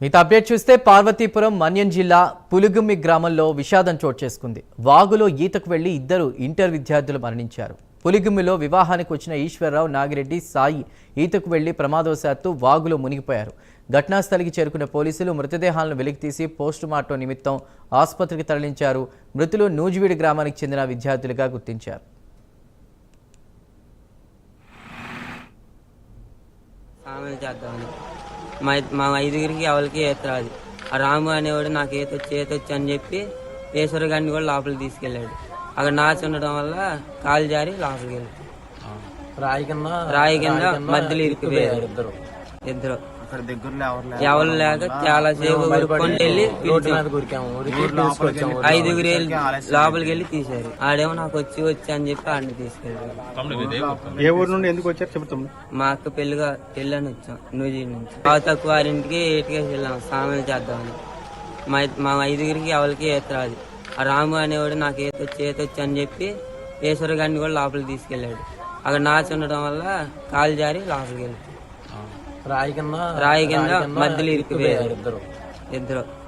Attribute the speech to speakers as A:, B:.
A: మిగతా అప్డేట్ చూస్తే పార్వతీపురం మన్యం జిల్లా పులుగుమ్మి గ్రామంలో విషాదం చోటు చేసుకుంది. వాగులో ఈతకు వెళ్లి ఇద్దరు ఇంటర్ విద్యార్థులు మరణించారు. పులిగుమ్మిలో వివాహానికి వచ్చిన ఈశ్వరరావు, నాగిరెడ్డి, సాయి ఈతకు వెళ్లి ప్రమాదవశాత్తు వాగులో మునిగిపోయారు. ఘటనా స్థలికి చేరుకున్న పోలీసులు మృతదేహాలను వెలికితీసి పోస్టుమార్టం నిమిత్తం ఆసుపత్రికి తరలించారు. మృతులు నూజివీడు గ్రామానికి చెందిన విద్యార్థులుగా గుర్తించారు.
B: మా ఐదుగురికి ఎవరికి ఈత రాదు. ఆ రాము అనేవాడు నాకు ఈతొచ్చి అని చెప్పి ఈశ్వర గారిని కూడా లోపలికి తీసుకెళ్ళాడు. అక్కడ నాచి ఉండడం వల్ల కాలు జారి లోపలికి వెళ్ళాడు. రాయి కింద మధ్యలో ఇరికిపోయారు ఇద్దరు. ఎవరు లేక చాలా సేపు ఉరుక్కొని వెళ్ళి ఐదుగురు లోపలికి వెళ్ళి తీశారు. ఆడేమో నాకు వచ్చి అని చెప్పి ఆడిని తీసుకెళ్ళారు.
C: ఏ ఊరు నుండి ఎందుకు వచ్చారు చెబుతాం?
B: మా అక్క పెళ్ళని వచ్చాం నూజివీడు నుంచి. బాగా తక్కువ వారింటికి ఏటికేసి వెళ్ళాం స్నానం చేద్దామని. మా ఐదుగురికి ఎవరికి ఈత రాదు. ఆ రాము అనేవాడు నాకు ఈతొచ్చి అని చెప్పి ఈశ్వర గారిని కూడా లోపలికి తీసుకెళ్ళాడు. అక్కడ నాచి ఉండడం వల్ల కాలు జారి లోపలికి వెళ్ళాడు. రాయి కింద మధ్యలో ఇరికిపోయారు ఇద్దరు.